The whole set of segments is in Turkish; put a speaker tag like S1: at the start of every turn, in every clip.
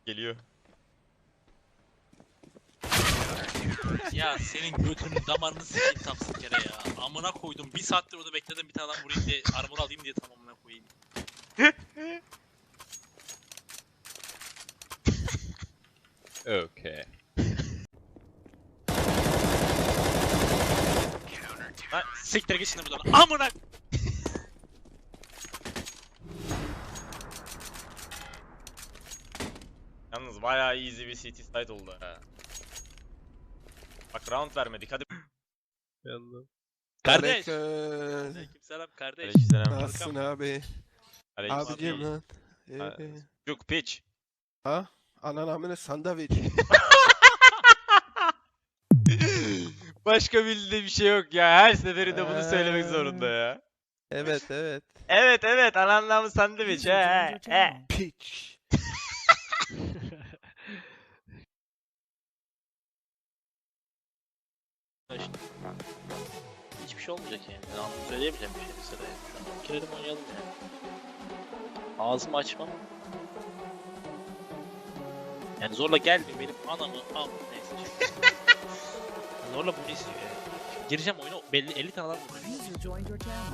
S1: Geliyor.
S2: Ya senin götünün damarını sikeyim tam kere ya. Amına koydum. Bir saattir orada bekledim bir tane adam vurayım diye armor alayım diye tam amına koyayım.
S1: Okay.
S2: Lan siktir git şimdi buradan. Amına.
S1: Yalnız bayağı easy bir CT site oldu ha. Bak round vermedik hadi.
S2: Kardeş.
S3: Aleyküm.
S2: Aleykümselam kardeş.
S1: Aleykümselam.
S3: Nasılsın abi?
S1: Aleykümselam.
S3: Abicim lan.
S1: Abi. Çocuk piç.
S3: Ha? Anan amına sandviç.
S1: Başka bildiği bir şey yok ya. Her seferinde bunu söylemek zorunda ya.
S3: Evet evet.
S1: Evet ananlamı sandviç he.
S3: Piç.
S2: Hiçbir şey olmayacak yani. Ben anlamı söyleyemeyeceğim bir şey mesela. Şu an girelim oynayalım yani. Ağzımı açmam. Yani zorla gelmiyor benim anamı al neyse. Zorla bunu istiyor yani. Gireceğim oyuna belli 50 tane adam vuracak.
S4: User joined your channel.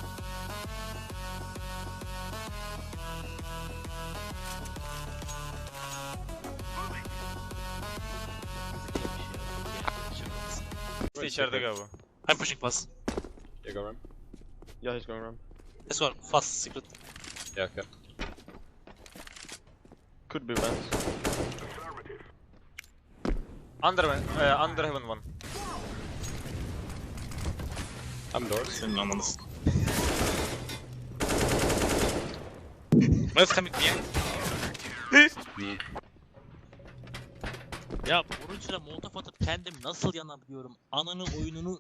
S1: İşte içeride galiba.
S2: I'm pushing pass.
S5: You go ram? Yeah, he's going ram.
S2: This one fast secret.
S5: Yeah, okay. Could be vents.
S1: Under heaven one.
S5: I'm doors.
S2: Senin anladın. Let's come in. Ya bunun içine molotof atıp kendim nasıl yanabiliyorum? Ananı oyununu...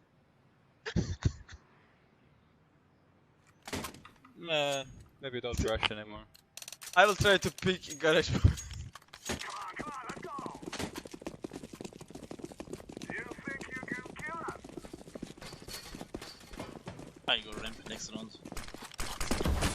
S5: Maybe don't rush anymore.
S1: I will try to pick garage.
S2: I go ramp next round.